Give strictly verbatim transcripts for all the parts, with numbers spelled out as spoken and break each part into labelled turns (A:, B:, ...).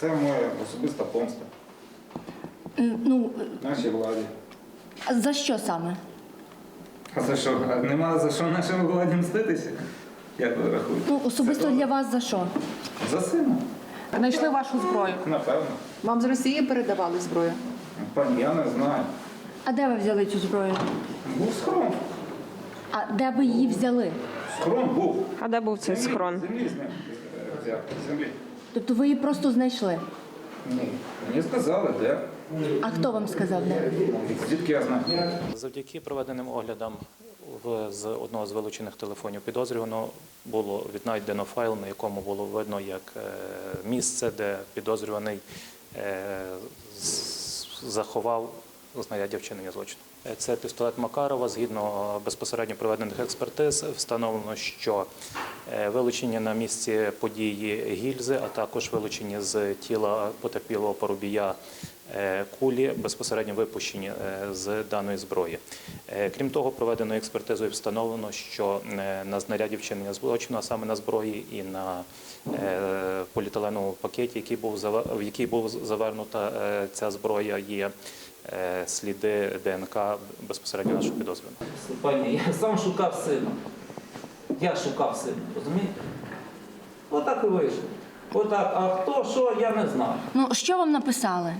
A: Це моя особиста помста
B: М, Ну,
A: нашій владі.
B: а за що саме?
A: А за що? А нема за що нашій владі мститися? Як ви рахуєте?
B: Ну, особисто
A: Це
B: для вас за що?
A: За сина?
C: Знайшли вашу зброю.
A: Напевно.
C: Вам з Росії передавали зброю?
A: Пані, я не знаю.
B: А де ви взяли цю зброю?
A: Був схрон.
B: А де ви її взяли?
A: Схрон був.
C: А де був цей
A: Землі-
C: схрон?
A: Землі з ним взяв. Землі.
B: Тобто ви її просто знайшли?
A: Ні. Мені сказали, де.
B: А хто вам сказав де?
A: Звідки я знаю?
D: Завдяки проведеним оглядам в- з одного з вилучених телефонів підозрюваного було віднайдено файл, на якому було видно, як е, місце, де підозрюваний е, з- заховав знаряддя вчинення злочину. Е, Це пістолет Макарова. Згідно безпосередньо проведених експертиз, встановлено, що е, вилучені на місці події гільзи, а також вилучені з тіла потерпілого Парубія е, кулі, безпосередньо випущені е, з даної зброї. Е, Крім того, проведеною експертизою встановлено, що е, на знаряді вчинення злочину, а саме на зброї і на е, поліетиленовому пакеті, який був зава- в який був завернута е, ця зброя, є е, сліди ДНК безпосередньо нашого підозрюваного.
E: Пані, я сам шукав сина. Я шукав сина, розумієте? Отак і вийшло. Отак. А хто, що, я не знаю.
B: Ну, що вам написали?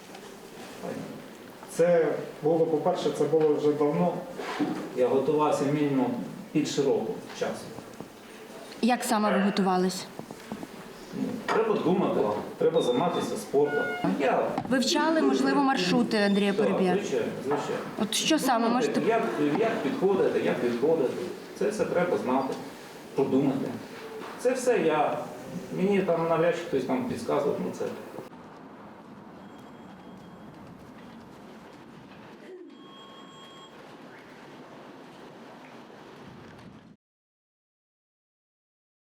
F: Це було, по-перше, це було вже давно.
E: Я готувався мінімум більше року часу.
B: Як саме ви готувались?
E: Ну, Треба думати, треба займатися спортом. Я
B: Вивчали, можливо, маршрути Андрія
E: так,
B: Парубія?
E: звичайно, звичайно.
B: От що саме можете?
E: Як, як підходити, як відходити. Це все треба знати, продумати. Це все я. Мені там навряд чи хтось там підказував на це.